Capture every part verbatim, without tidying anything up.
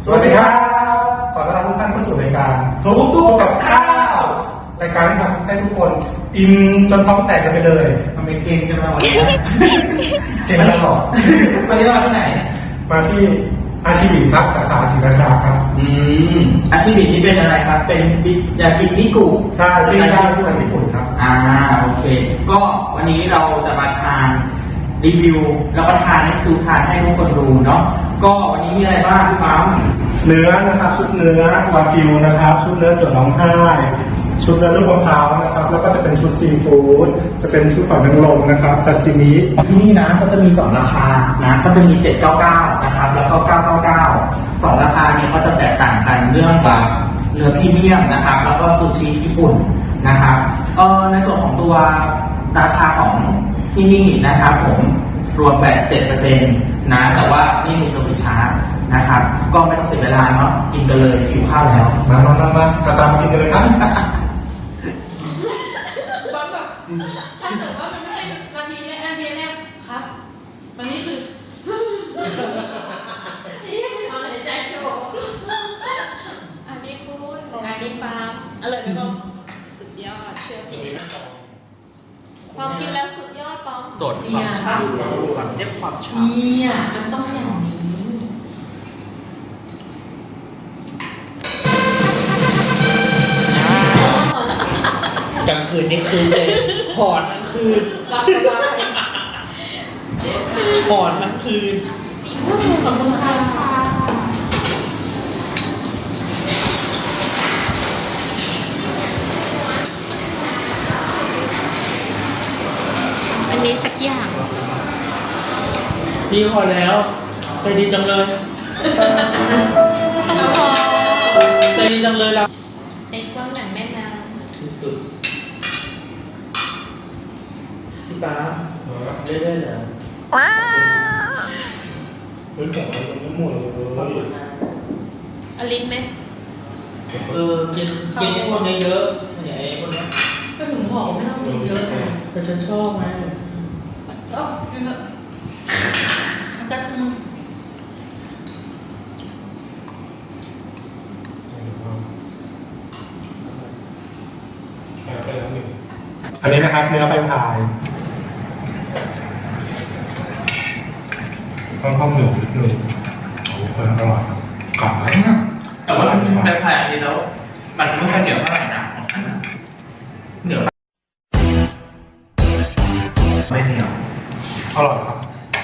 สวัสดีครับขอต้อนรับทุกท่านเข้าสู่รายการทุกตู้กับข้าวรายการที่ทำให้ทุกคนอิ่มจนท้องแตกกันไปเลยทำไมเก่งจังเลยวันนี้เก่งแล้วหรอวันนี้เรามาที่ไหนมาที่อาชีพครับสาขาศรีราชาครับอืมอาชีพนี้เป็นอะไรครับเป็นยากินิกุใช่เป็นยาสูตรญี่ปุ่นครับอ่าโอเคก็วันนี้เราจะมาทานรีวิวแล้วก็ทานให้ดูทานให้ทุกคนดูเนาะก็วันนี้มีอะไรบ้างพี่ปั๊มเนื้อนะครับชุดเนื้อวากิวนะครับชุดเนื้อเสือร้องไห้ชุดเนื้อลูกมะพร้าวนะครับแล้วก็จะเป็นชุดซีฟู้ดจะเป็นชุดหอยนางรมนะครับซาซิมิที่นี่นะเขาจะมีสองราคานะก็จะมีเจ็ดเก้าเก้านะครับแล้วก็เก้าเก้าเก้าสองราคานี้ก็จะแตกต่างกันเรื่องแบบเนื้อพรีเมียมนะครับแล้วก็ซูชิญี่ปุ่นนะครับเออในส่วนของตัวราคาของที่นี่นะครับผมรวมแบบ เจ็ดเปอร์เซ็นต์ นะแต่ว่านี่มีเซอร์วิสชาร์จนะครับก็ไม่ต้องเสียเวลาเนาะกินกันเลยหิวข้าวแล้วมามามามามาตามกินกันเลยครับถ้าเกิดว่ามันไม่ใช่นาทีนี้นาทีนี้ครับวันนี้คือนี่ไม่เอาเลยใจโจอันนี้พูดอันนี้ปาล์มอร่อยไหมปอมสุดยอดเชื่อพี่ปอมกินแล้วสุดยอดปอมตรวจความความเจ็บความชาเนี่ยมันต้องอย่างนี้กลางคืนนี่คืนเลยหอนทั้งคืนรับสบายหอนทั้งคืนขอบคุณค่ะอันนี้สักอย่างพี่พอแล้วใจดีจังเลยใจดีจังเลยเราเซ็ตกว้างหนังแม่น้ำที่สุดพี่ป๊าเรื่อยๆเหรอว้าวเฮ้ยแข่งกันไม่หมดเลยอลินไหมเออกินกินไอ้พวกเยอะๆเนี่ยไอ้พวกนี้ก็ถึงบอกไม่ต้องกินเยอะไงแต่ฉันชอบไงก็กินเถอะมันก็มึงอันนี้นะครับเนื้อใบพายค่อนข้างเหนียวนิดนึงโอ้โหเพิ่มอร่อยกรอบไหมแต่ว่าใบพายอันนี้แล้วมันไม่ค่อยเหนียวเท่าไหร่นะของฉันเหนียวไม่เหนียวอร่อยครับ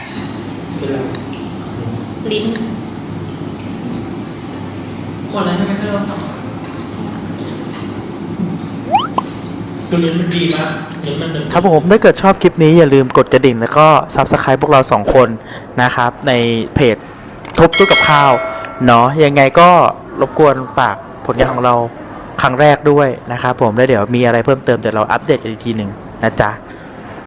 ลิ้นหมดแล้วใช่ไหมพี่เราสองตัวนี้มันดีมากครับผมถ้าเกิดชอบคลิปนี้อย่าลืมกดกระดิ่งแล้วก็ ซับสไครบ์ พวกเราสองคนนะครับในเพจทุบตู้กับข้าวเนาะยังไงก็รบกวนฝากผลงานของเราครั้งแรกด้วยนะครับผมแล้วเดี๋ยวมีอะไรเพิ่มเติมเดี๋ยวเราอัปเดตกันอีกทีหนึ่งนะจ๊ะ